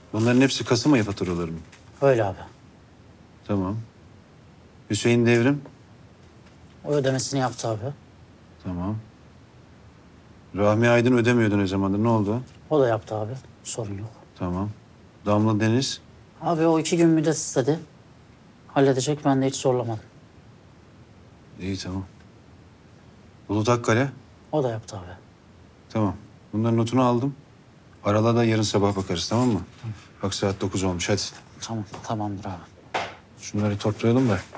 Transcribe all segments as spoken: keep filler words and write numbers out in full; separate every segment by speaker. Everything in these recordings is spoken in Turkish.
Speaker 1: Bunların hepsi Kasım ayı faturaları mı?
Speaker 2: Öyle abi.
Speaker 1: Tamam. Hüseyin Devrim?
Speaker 2: O ödemesini yaptı abi.
Speaker 1: Tamam. Rahmi Aydın ödemiyordu ne zamandır. Ne oldu?
Speaker 2: O da yaptı abi. Sorun yok.
Speaker 1: Tamam. Damla Deniz?
Speaker 2: Abi o iki gün müddet istedi. Halledecek, ben de hiç zorlamadım.
Speaker 1: İyi tamam. Bulut Akkale?
Speaker 2: O da yaptı abi.
Speaker 1: Tamam. Bunların notunu aldım. Arala da yarın sabah bakarız, tamam mı? Bak saat dokuz olmuş, hadi.
Speaker 2: Tamam, tamamdır abi.
Speaker 1: Şunları toplayalım da.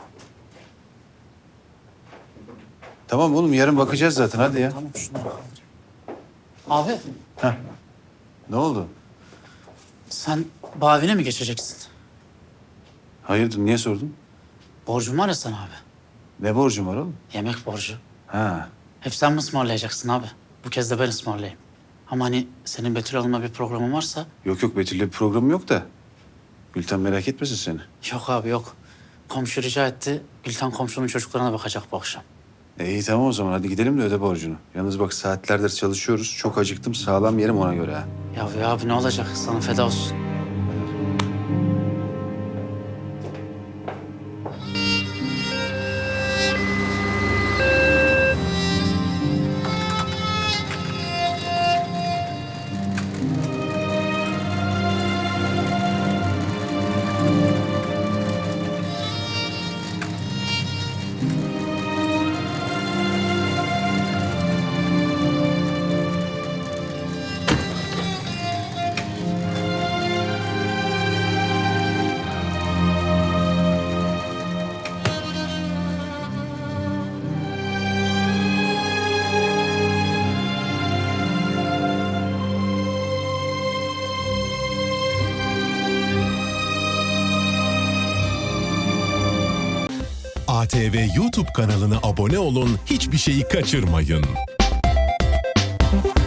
Speaker 1: Tamam oğlum, yarın bakacağız zaten, hadi ya.
Speaker 2: Tamam, şunları kaldırayım. Abi,
Speaker 1: Heh. Ne oldu?
Speaker 2: sen Bavi'ne mi geçeceksin?
Speaker 1: Hayırdır, niye sordun?
Speaker 2: Borcum var ya sana abi.
Speaker 1: Ne borcum var oğlum?
Speaker 2: Yemek borcu.
Speaker 1: Ha.
Speaker 2: Hep sen mi ısmarlayacaksın abi? Bu kez de ben ısmarlayayım. Ama hani senin Betül Hanım'la bir programın varsa...
Speaker 1: Yok yok, Betül'le bir programım yok da. Gülten merak etmesin seni.
Speaker 2: Yok abi yok. Komşu rica etti. Gülten komşunun çocuklarına bakacak bu akşam.
Speaker 1: E, iyi tamam o zaman, hadi gidelim de öde borcunu. Yalnız bak, saatlerdir çalışıyoruz. Çok acıktım, sağlam yerim ona göre ha.
Speaker 2: Ya ya abi ne olacak? Sana feda olsun.
Speaker 3: A T V YouTube kanalına abone olun, hiçbir şeyi kaçırmayın.